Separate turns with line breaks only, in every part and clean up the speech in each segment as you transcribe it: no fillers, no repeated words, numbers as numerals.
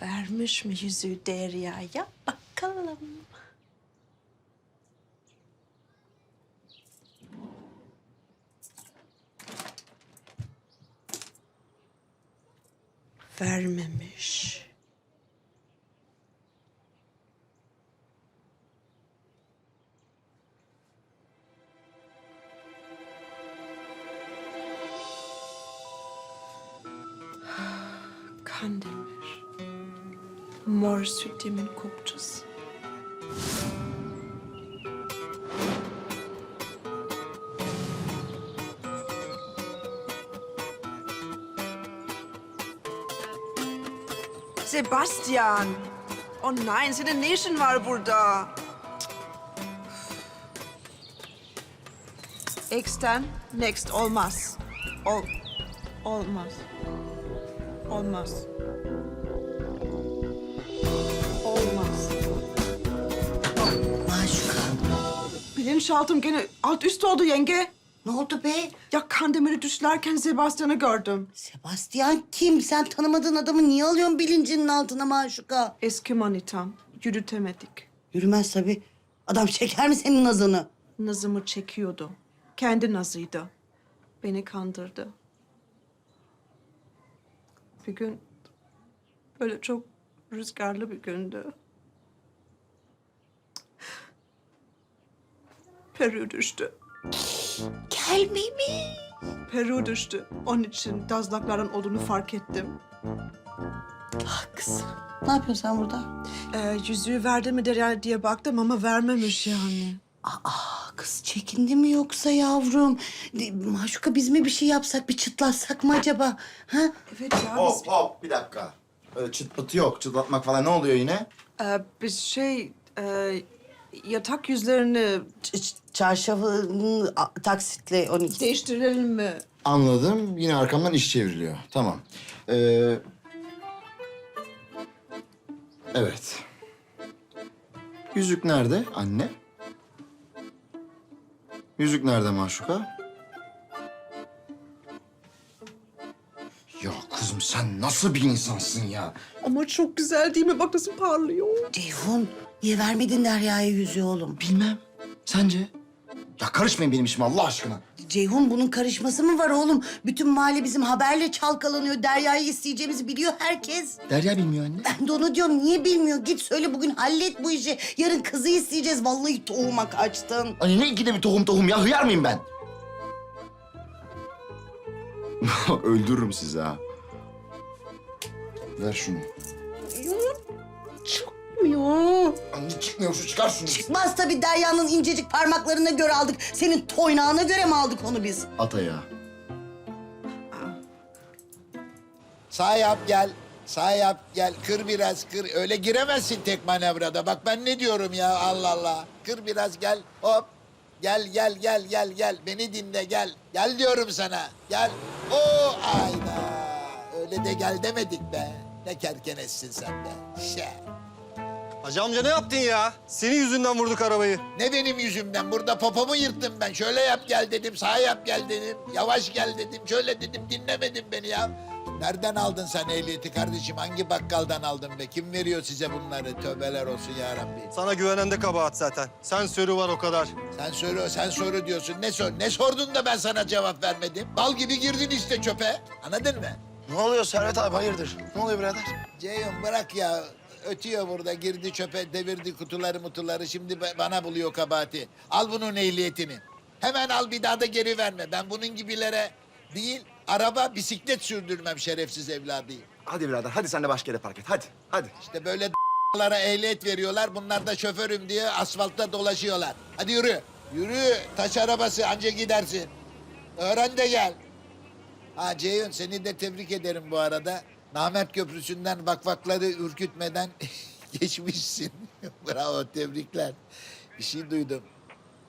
Vermiş mi yüzüğü Derya'ya? Bakalım. Vermemiş. Kandemir. Mor sütyemin kopçası. Sebastian! Oh nein, senin ne işin var burada? X'ten next olmaz. Olmaz. Olmaz. Olmaz.
Maşuka,
Bilinçaltım gene alt üst oldu yenge.
ne oldu be?
Ya Kandemir'i düşlerken Sebastian'ı gördüm.
Sebastian kim? Sen tanımadığın adamı niye alıyorsun bilincinin altına Maşuka?
Eski manitam. Yürütemedik.
Yürümez tabii. Adam çeker mi senin nazını?
Nazımı çekiyordu. Kendi nazıydı. Beni kandırdı. Bir gün böyle çok rüzgarlı bir gündü. Peru düştü.
Gelmeyi mi?
Peru düştü. Onun için dazlakların olduğunu fark ettim.
Ah kızım. Ne yapıyorsun sen burada?
Yüzüğü verdi mi der diye baktım ama vermemiş yani.
Aa kız çekindi mi yoksa yavrum? Maşuka biz mi bir şey yapsak, bir çıtlatsak mı acaba? Ha?
Evet ya biz,
Hop hop bir dakika. Öyle çıt pıtı yok. Çıtlatmak falan ne oluyor yine?
biz yatak yüzlerini
Çarşafı taksitle 12.
değiştirelim mi?
Anladım. Yine arkamdan iş çevriliyor. Tamam. Evet. Yüzük nerede anne? Yüzük nerede Maşuka? Ya kızım sen nasıl bir insansın ya?
Ama çok güzel değil mi? Bak nasıl parlıyor.
Ceyhun, niye vermedin Derya'ya yüzüğü oğlum?
Bilmem. Sence? Ya karışmayın benim işime Allah aşkına.
Ceyhun bunun karışması mı var oğlum? Bütün mahalle bizim haberle çalkalanıyor. Derya'yı isteyeceğimizi biliyor herkes.
Derya bilmiyor anne.
Ben de onu diyorum. Niye bilmiyor? Git söyle bugün hallet bu işi. Yarın kızı isteyeceğiz. Vallahi tohuma kaçtın.
Anne ne ikide bir tohum ya? Hıyar mıyım ben? Öldürürüm sizi ha. Ver şunu.
Çıkmıyor.
Anne çıkmıyor şu çıkar şunu.
Çıkmaz tabii Derya'nın incecik parmaklarına göre aldık. Senin toynağına göre mi aldık onu biz?
At ayağı.
Sağ yap gel. Sağ yap gel. Kır biraz kır. Öyle giremezsin tek manevrada. Bak ben ne diyorum ya Allah Allah. Kır biraz gel. Hop. Gel gel gel gel gel. Beni dinle gel. Gel diyorum sana. Gel. Oo ayda. Öyle de gel demedik be. Ne kerkenessin sen be.
Hacı amca ne yaptın ya? Senin yüzünden vurduk arabayı.
Ne benim yüzümden? Burada popomu yırttım ben. Şöyle yap gel dedim. Sağ yap gel dedim. Yavaş gel dedim. Şöyle dedim. Dinlemedin beni ya. Nereden aldın sen ehliyeti kardeşim? Hangi bakkaldan aldın be? Kim veriyor size bunları? Tövbeler olsun ya Rabbi.
Sana güvenen de kabahat zaten. Sensörü var o kadar.
Sen soru diyorsun. Ne sordun da ben sana cevap vermedim? Bal gibi girdin işte çöpe. Anladın mı?
Ne oluyor Servet abi hayırdır? Ne oluyor birader?
Ceyhun bırak ya. Ötüyor burada. Girdi çöpe, devirdi kutuları mutuları. Şimdi bana buluyor kabahati. Al bunun ehliyetini. Hemen al bir daha da geri verme. Ben bunun gibilere değil, araba, bisiklet sürdürmem şerefsiz evladıyım.
Hadi birader hadi sen de başka yere park et hadi. Hadi.
İşte böyle lara ehliyet veriyorlar. Bunlar da şoförüm diye asfaltta dolaşıyorlar. Hadi yürü. Yürü. Taş arabası anca gidersin. Öğren de gel. Ha Ceyhun seni de tebrik ederim bu arada. Namert Köprüsü'nden vakvakları ürkütmeden geçmişsin. Bravo tebrikler. Bir şey duydum.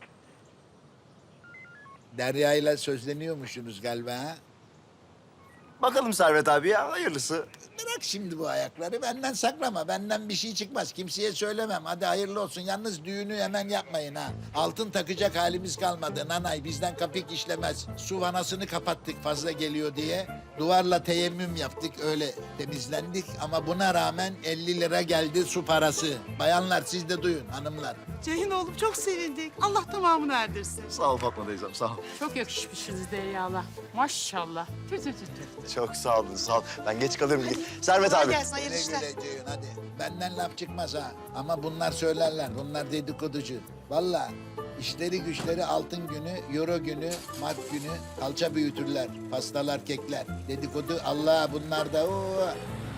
Derya ile sözleniyormuşsunuz galiba ha?
Bakalım Servet abi ya, hayırlısı.
Bırak şimdi bu ayakları. Benden saklama. Benden bir şey çıkmaz. Kimseye söylemem. Hadi hayırlı olsun. Yalnız düğünü hemen yapmayın ha. Altın takacak halimiz kalmadı. Nanay bizden kapik işlemez. Su vanasını kapattık fazla geliyor diye. Duvarla teyemmüm yaptık. Öyle temizlendik. Ama buna rağmen 50 lira geldi su parası. Bayanlar siz de duyun hanımlar.
Ceyhun oğlum çok sevindik. Allah tamamını erdirsin.
Sağ ol Fatma teyzem, sağ ol.
Çok yakışmışsınız Derya'la. Maşallah. Tü tü tü tü.
Çok sağ olun, sağ ol. Ben geç kalıyorum. Servet abi.
Güle güle Ceyhun hadi. Benden laf çıkmaz ha. Ama bunlar söylerler. Bunlar dedikoducu. Vallahi işleri güçleri altın günü, euro günü, mark günü kalça büyütürler. Pastalar, kekler. Dedikodu Allah bunlar da o.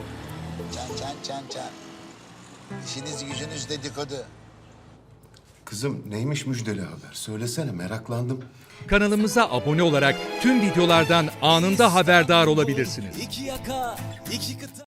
Çan. İşiniz gücünüz dedikodu.
Kızım neymiş müjdeli haber? Söylesene meraklandım.
Kanalımıza abone olarak tüm videolardan anında haberdar olabilirsiniz.
İki yaka, iki kıta.